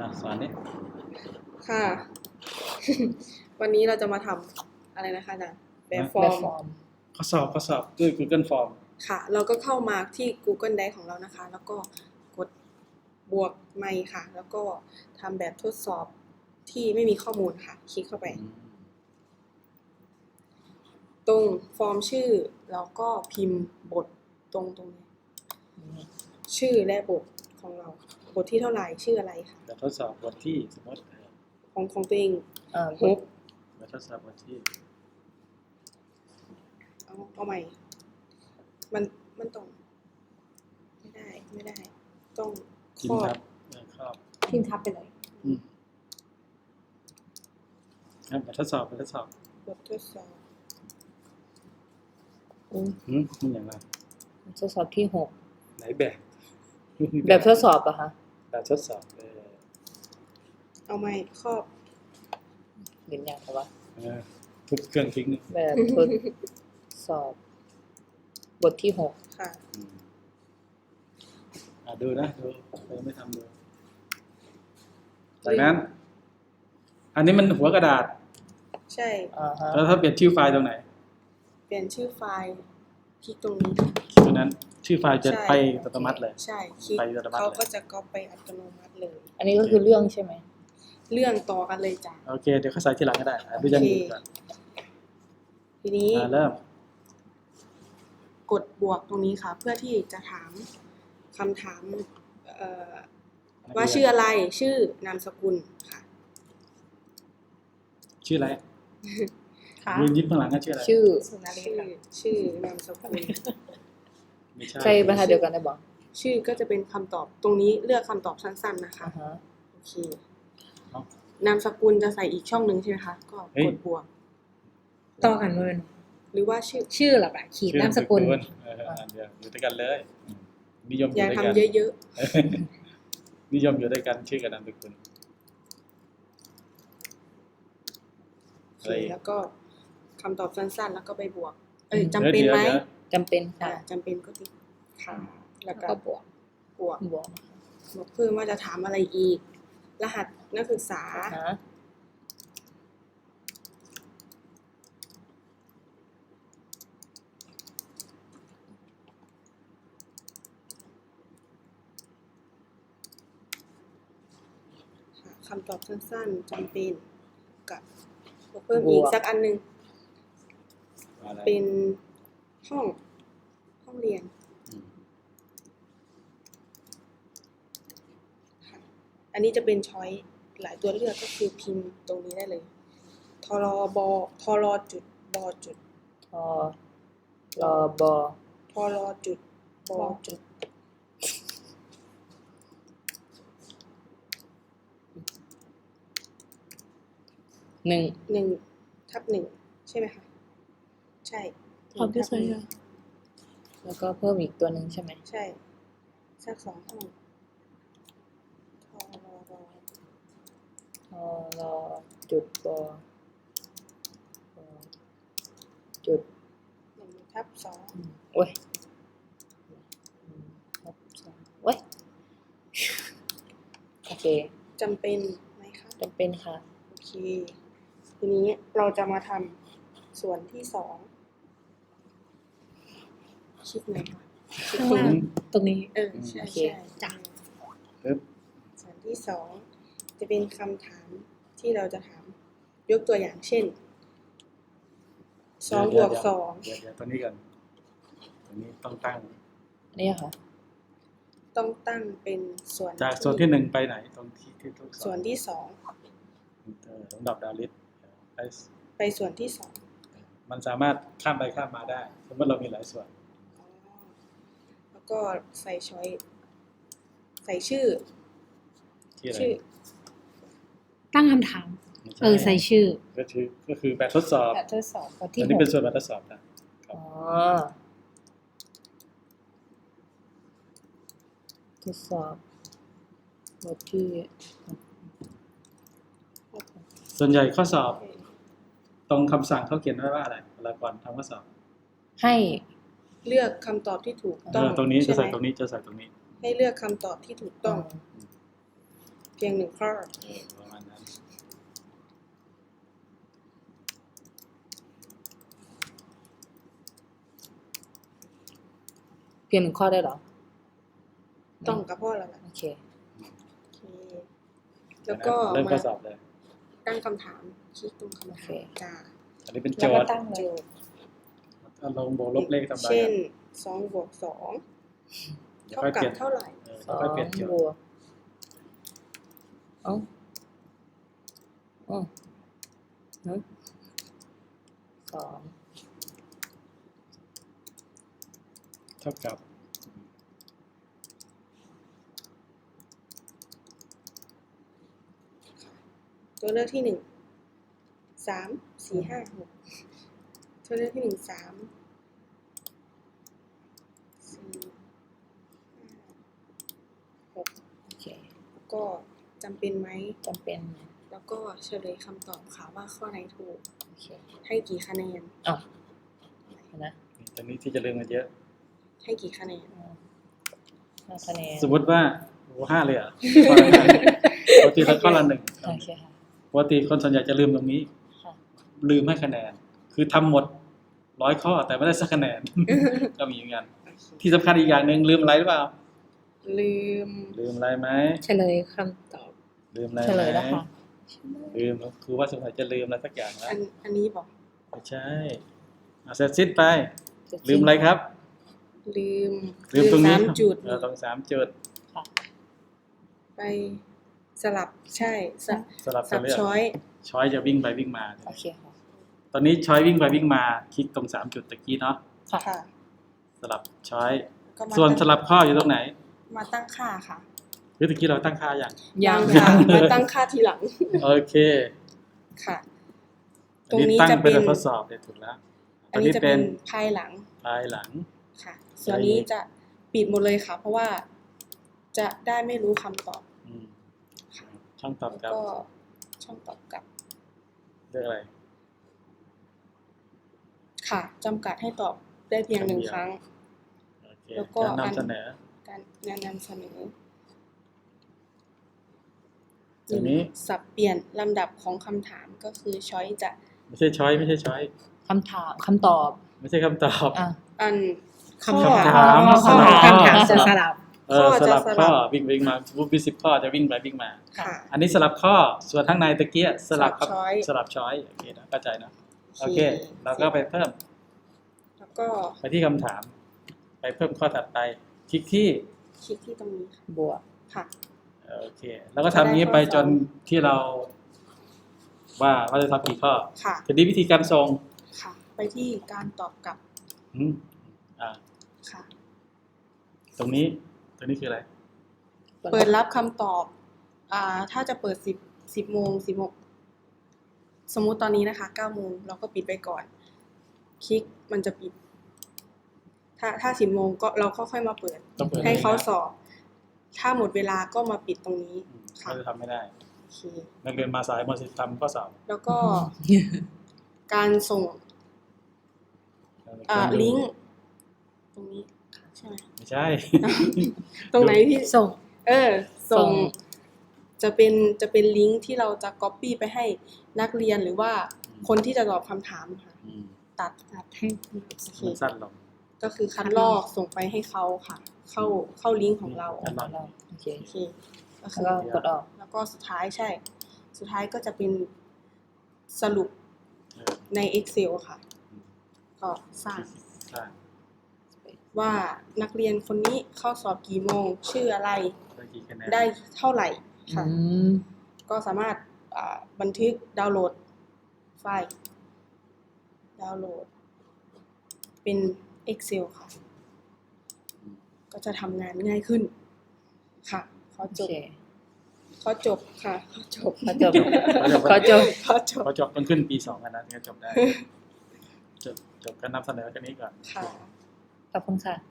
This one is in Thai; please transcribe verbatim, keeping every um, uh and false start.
อ่ะสอนดิค่ะ วันนี้เราจะมาทำอะไรนะคะอาจารย์แบบฟอแบร์บมฟอร์มข้อสอบข้อสอบด้วย Google Form ค่ะ เราก็เข้ามาที่ Google Drive ของเรานะคะ แล้วก็กดบวกไมค์ค่ะ แล้วก็ทำแบบทดสอบที่ไม่มีข้อมูลค่ะ คลิกเข้าไป ตรงฟอร์มชื่อแล้วก็พิมพ์บทตรงตรงนี้ชื่อและบทของเรา บทที่เท่าไหร่ชื่ออะไรค่ะแบบทดสอบบทที่สมมติเออของของตัวเองอ่าฮกแบบทดสอบบทที่เอาเอาใหม่ มันมันต้องไม่ได้ไม่ได้ ต้องพิคมรพ์อทับบเออครอบพิมพ์ทับไปเลยอืมครับแบบทดสอบแบบทดสอบบททดสอบอืมอืมมันอย่างไรทดสอบที่หกไหนแบบแบบทดสอบอะคะแบบทดสอบเออเอาใหม่ครอบเห็นยังคะวะเออทุบเครื่องทิ้งนี่แบบทดสอบ บทที่หกค่ะอืมอ่ะดูนะดูเราไม่ทำดูจากนั้น อันนี้มันหัวกระดาษใช่อ่าฮะแล้วถ้าเปลี่ยนชื่อไฟล์ตรงไหนเปลี่ยนชื่อไฟล์คลิกตรงนี้ตรงนั้นชื่อไฟล์จะใช่ไปอัตโนมัติเลยใช่คลิกไปอัตโนมัติเขาเลยก็จะก๊อปไปอัตโนมัติเลยอันนี้ก็คือเรื่องใช่ไหมเรื่องต่อกันเลยจ้ะโอเคเดี๋ยวเขาใส่ทีหลังก็ได้อ่ะดูยังดูก่อนทีนี้อ่าเริ่มกดบวกตรงนี้ค่ะ เพื่อที่จะถามคำถามเอ่อว่าชื่ออะไรชื่อนามสกุลค่ะชื่ออะไรค่ะยืนยิ้มข้างหลังก็ชื่ออะไรชื่อชื่อชื่อนามสกุลไม่ใช่ใช่บรรทัดเดียวกันได้บอกชื่อก็จะเป็นคำตอบตรงนี้เลือกคำตอบสั้นๆนะคะอ่าฮะโอเคนามสกุลจะใส่อีกช่องหนึ่งใช่ไหมคะก็กดบวกต่อกันเลยหรือว่าชื่อชื่อหรอปะขีดชื่อนามสกุลเอออันเดียวอยู่ด้วยกันเลยอืมนิยมออย่ายู่ด้วยทำกันเยอะนิยมอยู่ด้วยกันชื่อกับนามสกุลๆโอเคแล้วก็คำตอบสั้นๆ แล้วก็ไปบวก เอ้ยจำเป็นไหมดี๋ยวจำเป็นอ่าค่ะจำเป็นก็ติดค่ะแล้วแล้วก็ก็บวกบวกบวกบวกเพิ่มว่าจะถามอะไรอีก รหัสนักศึกษาอ่าฮะค่ะคำตอบสั้นๆจำเป็นกับบวกเพิ่มอีกสักอันหนึงอะไรเป็นห้องห้องเรียนอืมค่ะอันนี้จะเป็นช้อยหลายตัวเลือกก็คือพิมพ์ตรงนี้ได้เลยทรบทรจุดบจุดทอรอบอทรจุดบจุดหนึ่งหนึ่งทับหนึ่งใช่ไหมคะใช่หนึ่งทำได้ใช่หนึ่งอะแล้วก็เพิ่มอีกตัวหนึ่งใช่ไหมใช่สักสองห้องทรรทอรอจุดบอ จุดหนึ่งทับสองโอ้ยครับสองโอ้ย โอเคจำเป็นไหมคะจำเป็นค่ะโอเค ทีนี้เราจะมาทำส่วนที่สองคลิปไหนคะคลิปข้างตรงล่างนี้ตรงนี้เออใช่โอเคใช่จ้ะปึ๊บส่วนที่สองจะเป็นคำถามที่เราจะถาม ยกตัวอย่างเช่นสองบวกสองเดี๋ยวเดี๋ยวตัวนี้กันตัวนี้ต้องตั้งนี่ค่ะต้องตั้งเป็นส่วนจากส่วนที่หนึ่งไปไหนตรงที่ที่ทุกส่วนที่สองเออลำดับดาวลิสไปไปส่วนที่สองมันสามารถข้ามไปข้ามมาได้ สมมติเรามีหลายส่วนอ๋อแล้วก็ใส่ช้อยใส่ชื่อที่อะไรชื่อตั้งคำถามไม่ช่เออใส่ชื่อก็คือก็คือแบบทดสอบแบบทดสอบบทที่อันหนี้กเป็นส่วนแบบทดสอบนะอ๋อ ทดสอบบทที่ส่วนใหญ่ข้อสอบ ตรงคำสั่งเขาเขียนไว้ว่าอะไรเวลาก่อนทำข้อสอบให้เลือกคำตอบที่ถูกเอต้องอตรงนี้จะช่ไหมใส่ตรงนี้จะใส่ตรงนี้ให้เลือกคำตอบที่ถูกต้อง พพียงหนึ่งข้อเออประมาณนั้นเพียงหนึ่งข้อได้เหรอต้องกับพ่อแล้วล่ะโอเคโอเคแล้วก็เริ่มข้มาอสอบเลยตั้งคำถามคลิกตรงคำถามโอเคจ้าอันนี้เป็นโจแล้วก็ทย์ตั้งเลยเอาลงบวกลบเลขทำได้เช่นอะสองบวกสองเดี๋ยวเท่าค่อยกัเปบลี่ยนเท่าไหร่เออสเดี๋ยวอค่อยงเปลี่ยนโจทบย์วกเอ้าอ๋อฮะสองเท่ากับตัวเลือกที่หนึ่งสามสี่ห้าหกตัวเลือกที่หนึ่งสามสี่ห้าหกโอเคแล้วก็จำเป็นไหมจำเป็นแล้วก็เฉลยคำตอบค่ะว่าข้อไหนถูกโอเคให้กี่คะแนนเอ้านะตอนนี้ที่จะเริ่มกันเยอะให้กี่คะแนนห้าคะแนนสมมติว่าโอ้ห้าเลยเหรอ่ะปกติเราข้อละหนึ่งโอเคค่ะปกติคนส่วนใหญ่จะลืมตรงนี้ค่ะลืมให้คะแนน คือทำหมดร้อยข้อแต่ไม่ได้สักคะแนน ก็มีเหมือนกันโอเคที่สำคัญอีกอย่างหนึ่งลืมอะไรหรือเปล่าลืมลืมอะไรไหมเฉลยคำตอบลืมอะไรเฉไหลมยแล้วค่ะลืมครูว่าสงสัยจะลืมอะไรสักอย่างแล้อัวนอันนี้บอกไม่ใช่เอาเสร็จสิ้นไปเสร็จลืมอะไรครับลืมลืมตรงนี้สามจุดเออตรงสามจุดค่ะไปสลับใช่สลับสลับสกัลันบเลือกช้อยช้อยจะวิ่งไปวิ่งมาโอเคค่ะตอนนี้ช้อยวิ่งไปวิ่งมาคลิกตรงสามจุดตะกี้เนาะค่ะค่ะสลับช้อยก็มาส่วนตั้งสลับข้ออยู่ตรงไหนมาตั้งค่าค่ะหรือตะกี้เราตั้งค่าอย่างยังค่ะยังเลยมาตั้งค่าทีหลังโอเคค่ะ ตอัรนงนี้นี้ตั้งจะเป็เป็น นทดสอบเลยถูกแล้วอันนี้จะเป็นภายหลังภายหลังค่ะ ส่วนนี้จะปิดหมดเลยค่ะ เพราะว่าจะได้ไม่รู้คำตอบอืมช่องตอบแล้วกลับก็ช่องตอบกลับเรื่องอะไรค่ะจำกัดให้ตอบได้เพียงหนึ่งครั้งโอเคแล้วก็การอันนำเสนอการงานนำเสนออันนี้สับเปลี่ยนลำดับของคำถามก็คือช้อยจะไม่ใช่ช้อยไม่ใช่ช้อยคำถามคำตอบไม่ใช่คำตอบอ่ะอันคำข้อคำถามข้อสลับคำถามจะสลับเออข้อสจะลับสลับข้อวิ่งวิ่งมาวูบสิบข้อจะวิ่งไปวิ่งมาค่ะอันนี้สลับข้อส่วนข้างในตะเกียสลับครับสลับช้อยสลับช้อยโอเคนะเข้าใจนะโอเค เราก็ไปเพิ่มแล้วก็ไปที่คำถาม ไปเพิ่มข้อถัดไปคลิกที่คลิกที่ตรงนี้ค่ะบวกค่ะโอเค แล้วก็ทำอย่างนี้ไปจนที่เรา ว่าเราจะทำกี่ข้อค่ะทีนี้วิธีการส่งค่ะ ไปที่การตอบกลับอืมอ่าค่ะตรงนี้ตรงนี้คืออะไรเปิดรับคำตอบ อ่า ถ้าจะเปิดสิบสิบโมงสิบโมงสมมุติตอนนี้นะคะเก้าโมงเราก็ปิดไปก่อน คลิกมันจะปิด ถ้าถ้าสิบโมงก็เราก็ค่อยมาเปิดต้องเปิดให้เขาลยนะสอบ ถ้าหมดเวลาก็มาปิดตรงนี้อืมค่ะเขาจะทำไม่ได้โอเคนักเรียนมาสายมาสิทำข้อสอบแล้วก็การส่ง อ่า ลิงก์ตรงนี้ใช่ไหมไม่ใช่ตรงไหนที่ส่งเออ ส่ส่งงจะเป็นจะเป็นลิงก์ที่เราจะ copy ไปให้นักเรียนหรือว่าคนที่จะตอบคำถามค่ะอืมตัดตัดให้โอเคมันสั้นลงก็คือคัดลอกส่งไปให้เขาค่ะ เข้าเข้าลิงก์ของเราคัดลอกเราโอเคโอเคก็แล้คืวอก็กดออกแล้วก็สุดท้ายใช่ สุดท้ายก็จะเป็นสรุปเออใน Excel ค่ะ ก็สร้างสร้างว่านักเรียนคนนี้เข้าสอบกี่โมง ชื่ออะไรได้กี่คะแนนได้เท่าไหร่ค่ะอืมก็สามารถอ่าบันทึกดาวน์โหลดไฟล์ ดาวน์โหลด เป็น Excel ค่ะ ก็จะทำงานง่ายขึ้น ค่ะขอโอจบเคขอจบค่ะขอจบขอจบขอจบขอจบพอจบต้องขึ้นปีสองกันนะถึงจะจบได้ จบจบการนำเสนอกันนี้ก่อนค่ะขอบคุณค่ะ